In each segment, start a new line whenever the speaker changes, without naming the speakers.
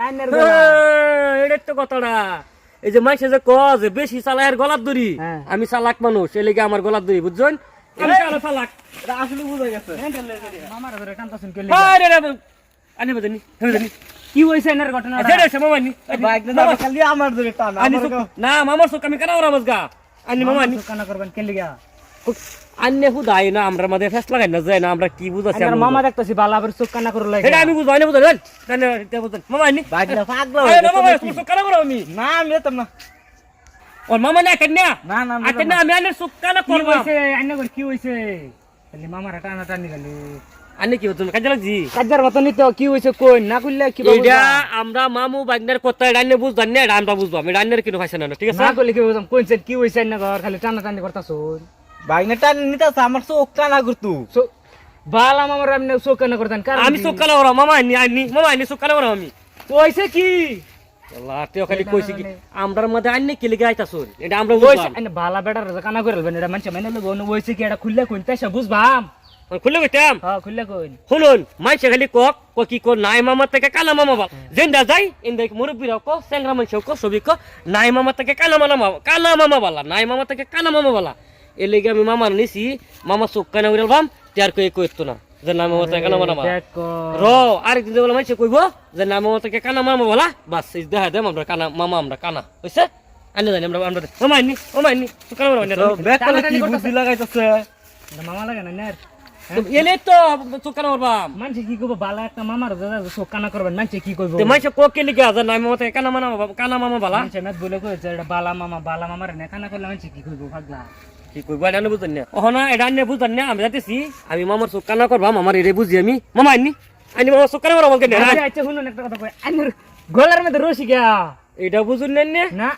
এটাই তো কথাটা। এই যে মাইসে যে কজ বেশি চালায়ের গলার দড়ি, আমি চালাক মানুষ, এ লেগে আমার গলার দড়ি বুঝছেন। আমি চালাক
আসলে বুঝা গেছে।
মামার ধরে কান্তাছেন কে
আনি বাজানি
কি হইছে এর ঘটনা?
মামানি
বাইক না খালি আমার ধরে টান।
না মামার চোখ আমি কেন ওরা মজগা আনি মামানি
কানা করবেন কে লিগা?
আন্নে হুদাই না আমরা মাঝে ফেস লাগাই না যায় না আমরা কি বুঝাছি
আমার মামা দেখতাছি বালাবের চোখ কানা করে লাগে।
এটা আমি বুঝাই না বুঝাই জানেন এটা বুঝেন মামানি
বাইক না পাগলা
আরে না মামা চোখ কানা করো আমি
না আমি যেতাম না।
ওর মামা না কেন
না না
আতে না আমি আন্নের চোখ কানা
কি
করব
হইছে আইনা করে কি হইছে? খালি মামার টানা টানি খালি
আন্নে কি হতো কাজে লাগছি
কাজার মতনই তো কি হইছে কই না কইলে কি
এটা আমরা মামু বাগনার কথা রান্নে বুঝদান না আমরা বুঝবাম এটা রান্নের কিনো খাইছে না ঠিক আছে
না কইলে কি বুঝাম কইছেন কি হইছে আইনা ঘর খালি টানা টানি করতাছুন।
বাইক না টান নিতাছে আমার চোখ টানা করতু।
বালা মামার আপনি চোখ কানা করতেন কারণ
আমি চোখ কানা করো মামা আনি চোখ কানা করো আমি
কইছে কি
আল্লাহ তেও খালি কইছি কি আমরার মধ্যে আন্নে কি লিগে আইতাছুন এটা আমরা
কইছে
বুঝবাম
আইনা বালা বেটার কানা কইরলবেন এটা মানছে মাইনা লব হইছে কি এটা খুললে কইন তাইসা বুঝবাম।
খুলে কইতাম
হ্যাঁ খুললে কইন
শুনুন মাইসে খালি কক কি কো নাই মামা থেকে কানা মামা বল জেন্দা যাই ইন্দা মুরব্বিরা কো সেংরা মানছে কো সবই কো নাই মামা থেকে কানা মামা বলা নাই মামা থেকে কানা মামা বলা এ লেগে আমি মামা নিছি মামা চোখ কানা উড়ালবাম তার কই কইতো না যে নাই মামা থেকে কানা মামা র আরেকদিন যে বলে মাইসে কইব যে নাই মামা থেকে কানা মামা বলা বাস এই দেখা দেম আমরা কানা মামা আমরা কানা হইছে আনে জানি আমরা মামা আনি চোখ কানা মামা
ব্যাক করে কি বুদ্ধি লাগাইতাছে।
মামা লাগে না নের
এলে তো চোখ কানা মারবাম
মানছে কি কইব বালা একটা মামার চোখ কানা করবেন মানছে কি কইব?
মাইসে কক কে লিগে আছে নাই মামা থেকে কানা মামা বলা
মানছে না বলে কইছে এটা বালা মামার না কানা করলে মানছে কি কইব পাগলা
কি কইবা এটা বুঝতেন না ওহনা এটা আনে বুঝতেন না আমি যাইতেছি আমি মামার চোখ কানা করবাম আমার এরে বুঝি আমি মামা আনি মামার চোখ কানা করবো বলকে
আচ্ছা শুনুন একটা কথা কই আইনের গলার মধ্যে রশি গিয়া
এটা বুঝুন না
না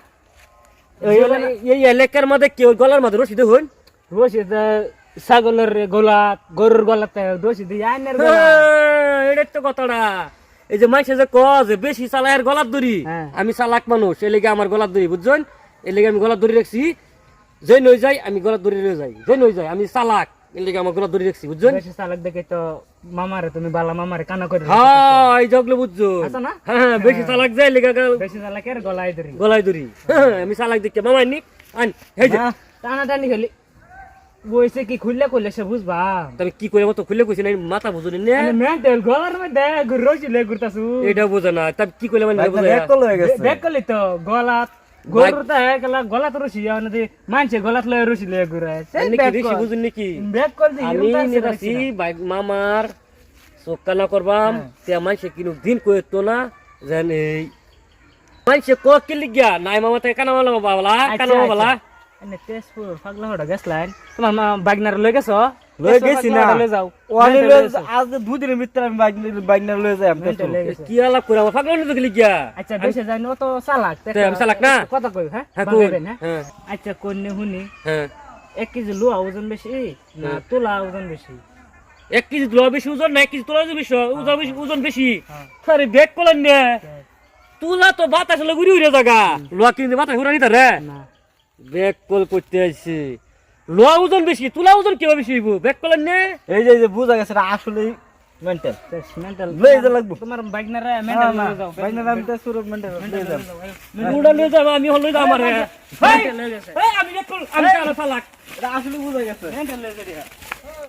এই এলাকার মধ্যে কেউ গলার মধ্যে রশি দেখুন
রশি ছাগলের গলাত গরুর গলাত রশি দিয়ে আইনের
এটা তো কথাটা। এই যে মাইসে যে কজ বেশি চালায়ের গলার দড়ি, আমি চালাক মানুষ এ লেগে আমার গলার দড়ি বুঝছেন, এ লেগে আমি গলার দড়ি রাখছি যে নই যাই আমি গলার দড়ি রয়ে যাই যে নই যাই আমি চালাক এ লেগে আমার গলার দড়ি রাখছি বুঝছেন।
বেশি চালাক দেখে তো মামারে তুমি বালা মামারে কানা করে
হ্যাঁ এই জগলে বুঝছো
আচ্ছা না
হ্যাঁ বেশি চালাক যায় লেগে
বেশি চালাকের গলায় ধরি
গলায় দড়ি আমি চালাক দেখে মামা আনি আন এই যে
টানা টানি খালি বইছে কি খুললে করলে সে বুঝবা
তবে কি করে মতো খুলে কইছি না মাথা বুঝুনি না
মেন্টাল গলার মধ্যে রশি লে ঘুরতাছু
এটা বুঝে না তবে কি কইলে মানে
ব্যাক কল হয়ে গেছে।
দেখ করলি তো গলাত গরুটা গলা গলাত রশি আনতে মানছে গলাত লয় রশি লে ঘুরে
আমি কি বেশি বুঝুন নাকি
ব্যাক কর দি
আমি নিরাছি বাইক মামার চোখানা করবাম তে মাইসে কিনু দিন কইতো না জান এই মাইসে ক কি লিগা নাই মামা থেকে কানা মামা বালা কানা মামা বালা
এনে তেজপুর পাগলা হড়া গেছলাইন তোমার বাগনার লই গেছো
লই গেছি না
লই যাও
ওয়ানি আজ দুদিনের ভিতরে আমি বাইক না লয়ে যাই আমি
কি আলাপ করে আমার পাগল নিতে লিগা
আচ্ছা দেশে যাই ও তো চালাক
আমি চালাক না
কথা কই হ্যাঁ
হ্যাঁ
বাগাইবেন হ্যাঁ
হ্যাঁ
আচ্ছা কোনে হুনি
হ্যাঁ
1 কেজি লোহা ওজন বেশি না তুলা ওজন বেশি
1 কেজি লোহা বেশি ওজন না 1 কেজি তুলা বেশি ওজন বেশি আরে ব্যাগ করলেন না তুলা তো বাতাস হলে ঘুরে ঘুরে জায়গা লোহা কিনতে বাতাস ঘুরে নিতে রে
না
ব্যাগ কল করতে আইছে লোহা ওজন বেশি তুলা ওজন কি বেশি হইব ব্যাগ করলেন না
এই যে বুঝা গেছে আসলে মেন্টাল
মেন্টাল
লই যা লাগবো
তোমার বাইকনারে মেন্টাল লই যাও
বাইক না আমি তো সুর মেন্টাল লই যাও
উড়া লই যাব আমি হল লই যাব আমারে
মেন্টাল লই গেছে
আমি ব্যাগ কল আমি চালাক
আসলে বুঝা গেছে
মেন্টাল লই যাও